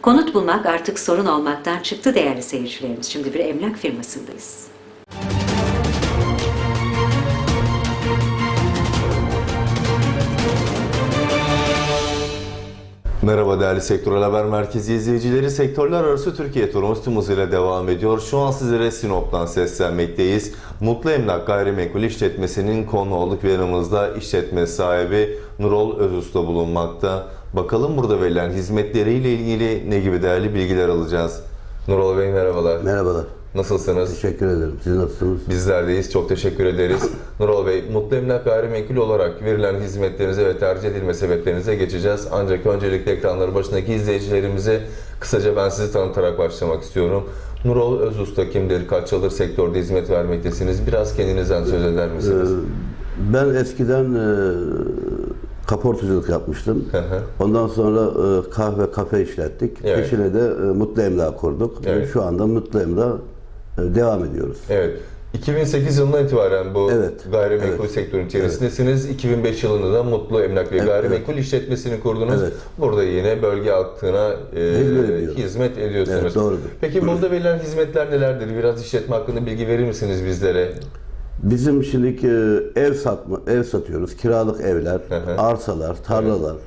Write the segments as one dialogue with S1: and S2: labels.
S1: Konut bulmak artık sorun olmaktan çıktı değerli seyircilerimiz. Şimdi bir emlak firmasındayız.
S2: Merhaba değerli Sektörel Haber Merkezi izleyicileri. Sektörler arası Türkiye turumuz tüm hızıyla devam ediyor. Şu an sizlere Sinop'tan seslenmekteyiz. Mutlu Emlak Gayrimenkul İşletmesi'nin konu olduk ve yanımızda işletme sahibi Nurol Özusta bulunmakta. Bakalım burada verilen hizmetleriyle ilgili ne gibi değerli bilgiler alacağız. Nurol Bey merhabalar.
S3: Merhabalar.
S2: Nasılsınız?
S3: Teşekkür ederim. Siz nasılsınız?
S2: Bizler deyiz. Çok teşekkür ederiz. Nurol Bey, Mutlu Emlak Gayrimenkul olarak verilen hizmetlerinize ve tercih edilme sebeplerinize geçeceğiz. Ancak öncelikle ekranları başındaki izleyicilerimize kısaca ben sizi tanıtarak başlamak istiyorum. Nurol Özusta kimdir? Kaç yıldır sektörde hizmet vermektesiniz? Biraz kendinizden söz eder misiniz?
S3: Ben eskiden kaportacılık yapmıştım. Ondan sonra kahve, kafe işlettik.
S2: Evet.
S3: Peşine de Mutlu Emlak kurduk.
S2: Evet.
S3: Şu anda Mutlu Emlak devam ediyoruz.
S2: Evet. 2008 yılından itibaren bu gayrimenkul sektörün içerisindesiniz. 2005 yılında da Mutlu Emlak ve Gayrimenkul İşletmesi'ni kurdunuz.
S3: Evet.
S2: Burada yine bölge halkına hizmet ediyorsunuz.
S3: Evet, doğrudur.
S2: Peki burada verilen hizmetler nelerdir? Biraz işletme hakkında bilgi verir misiniz bizlere?
S3: Bizim şimdiki ev satıyoruz. Kiralık evler, arsalar, tarlalar.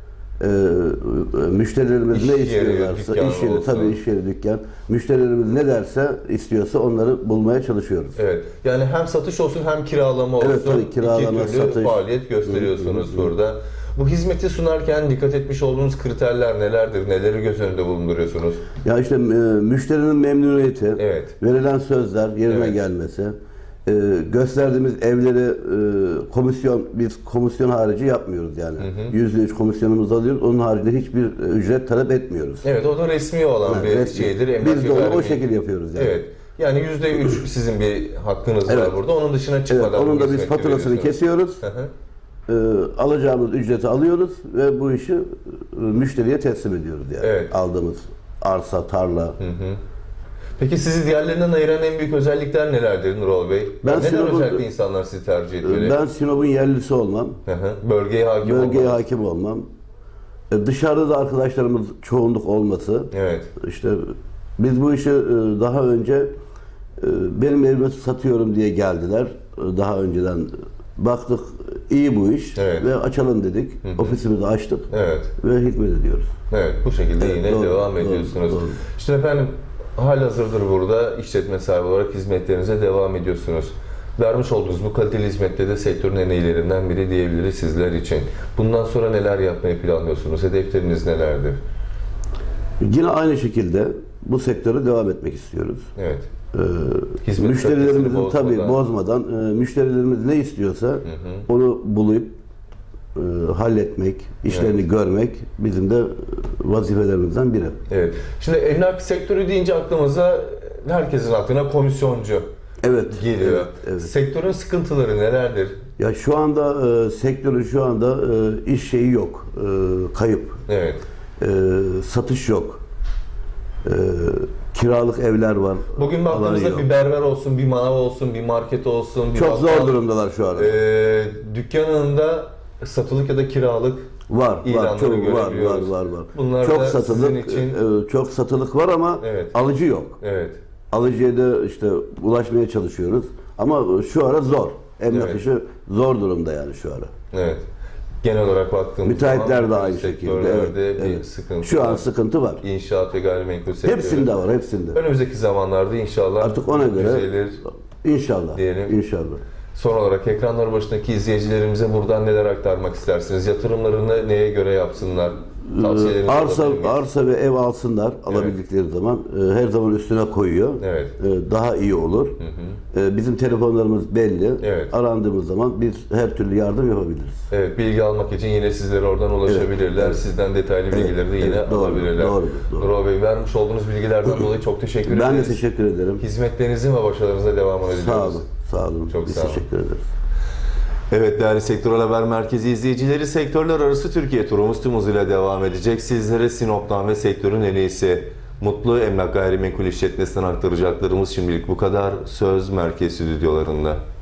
S3: Müşterilerimiz
S2: İş
S3: ne
S2: yeri,
S3: istiyorlarsa,
S2: dükkan
S3: iş yeri,
S2: olsun.
S3: tabii iş yeri, dükkan. Müşterilerimiz ne derse istiyorsa onları bulmaya çalışıyoruz.
S2: Evet. Yani hem satış olsun hem kiralama olsun.
S3: Evet, tabii, kiralama,
S2: İki türlü
S3: satış.
S2: faaliyet gösteriyorsunuz burada. Bu hizmeti sunarken dikkat etmiş olduğunuz kriterler nelerdir? Neleri göz önünde bulunduruyorsunuz?
S3: Ya işte müşterinin memnuniyeti,
S2: Evet.
S3: verilen sözler yerine gelmesi, gösterdiğimiz evleri biz komisyon harici yapmıyoruz yani. %3 komisyonumuzu alıyoruz. Onun haricinde hiçbir ücret talep etmiyoruz.
S2: Evet, o da resmi olan bir
S3: resmi.
S2: şeydir. Emlak
S3: Biz
S2: ve
S3: de onu o
S2: gayrimenkul.
S3: şekilde yapıyoruz yani.
S2: Evet. Yani %3 sizin bir hakkınız var burada. Onun dışına çıkmadan
S3: Evet, onun
S2: bu
S3: da biz
S2: hizmeti
S3: faturasını
S2: veriyorsunuz.
S3: kesiyoruz. Alacağımız ücreti alıyoruz ve bu işi müşteriye teslim ediyoruz yani.
S2: Evet.
S3: Aldığımız arsa, tarla.
S2: Peki sizi diğerlerinden ayıran en büyük özellikler nelerdir Nurol Bey?
S3: Ben
S2: Neden
S3: Sinop'un-
S2: özellikle insanlar sizi tercih etmeli?
S3: Ben Sinop'un yerlisi olmam.
S2: Bölgeye hakim
S3: Bölgeye
S2: olmanız.
S3: hakim olmam. Dışarıda da arkadaşlarımız çoğunluk olması.
S2: Evet.
S3: İşte biz bu işi daha önce benim evimi satıyorum diye geldiler. Daha önceden baktık iyi bu iş ve açalım dedik. Ofisimizi açtık
S2: Evet.
S3: ve hizmet ediyoruz.
S2: Evet, bu şekilde yine
S3: doğru,
S2: devam
S3: doğru,
S2: ediyorsunuz.
S3: doğru.
S2: İşte efendim, halihazırdır burada işletme sahibi olarak hizmetlerinize devam ediyorsunuz. Vermiş olduğunuz bu kaliteli hizmette de sektörün en iyilerinden biri diyebiliriz sizler için. Bundan sonra neler yapmayı planlıyorsunuz? Hedefleriniz nelerdir?
S3: Yine aynı şekilde bu sektöre devam etmek istiyoruz.
S2: Evet.
S3: Müşterilerimizin
S2: Müşterilerimizin
S3: tabii bozmadan müşterilerimiz ne istiyorsa onu bulup halletmek, işlerini görmek bizim de vazifelerimizden biri.
S2: Evet. Şimdi emlak sektörü deyince aklımıza herkesin aklına komisyoncu
S3: Evet.
S2: geliyor.
S3: Evet.
S2: Sektörün sıkıntıları nelerdir?
S3: Ya şu anda sektörün şu anda iş şeyi yok. Kayıp.
S2: Evet.
S3: Satış yok. Kiralık evler var.
S2: Bugün
S3: Alan
S2: baktığımızda
S3: yok.
S2: bir berber olsun, bir manav olsun, bir market olsun, bir
S3: Çok
S2: bakkal,
S3: zor durumdalar şu anda.
S2: dükkanında satılık ya da kiralık
S3: Var,
S2: ilanları
S3: çok
S2: görebiliyoruz.
S3: var.
S2: Bunlar
S3: Çok
S2: da
S3: satılık,
S2: sizin için...
S3: çok satılık var ama
S2: Evet.
S3: alıcı yok.
S2: Evet.
S3: Alıcıya da işte ulaşmaya çalışıyoruz. Ama şu ara zor. Emlak işi zor durumda yani şu ara.
S2: Evet. Genel olarak baktığımız
S3: Müteahhitler de aynı
S2: sektörlerde
S3: şekilde.
S2: bir sıkıntı
S3: Şu
S2: var.
S3: an sıkıntı var.
S2: İnşaat ve gayrimenkul sektörü.
S3: Hepsinde var, hepsinde.
S2: Önümüzdeki zamanlarda inşallah
S3: Artık ona göre
S2: düzelir
S3: inşallah.
S2: diyelim.
S3: İnşallah.
S2: Son olarak ekranlar başındaki izleyicilerimize buradan neler aktarmak istersiniz? Yatırımlarını neye göre yapsınlar? Tavsiyelerinizi alabilir miyiz?
S3: Arsa ve ev alsınlar alabildikleri zaman. Her zaman üstüne koyuyor.
S2: Evet.
S3: Daha iyi olur. Bizim telefonlarımız belli.
S2: Evet.
S3: Arandığımız zaman biz her türlü yardım yapabiliriz.
S2: Evet, bilgi almak için yine sizlere oradan ulaşabilirler.
S3: Evet.
S2: Sizden detaylı bilgileri de yine
S3: doğru,
S2: alabilirler.
S3: doğru.
S2: Nurol Bey, vermiş olduğunuz bilgilerden dolayı çok teşekkür ederiz.
S3: Ben de teşekkür ederim.
S2: Hizmetlerinizin ve başarınıza devamını diliyoruz.
S3: Sağ olun. Sağ olun.
S2: Çok
S3: Biz
S2: sağ olun.
S3: teşekkür ederiz.
S2: Evet değerli Sektörel Haber Merkezi izleyicileri, sektörler arası Türkiye turumuz tüm hızıyla devam edecek. Sizlere Sinop'tan ve sektörün en iyisi Mutlu Emlak Gayrimenkul İşletmesi'nden aktaracaklarımız şimdilik bu kadar. Söz Merkez Stüdyolarında.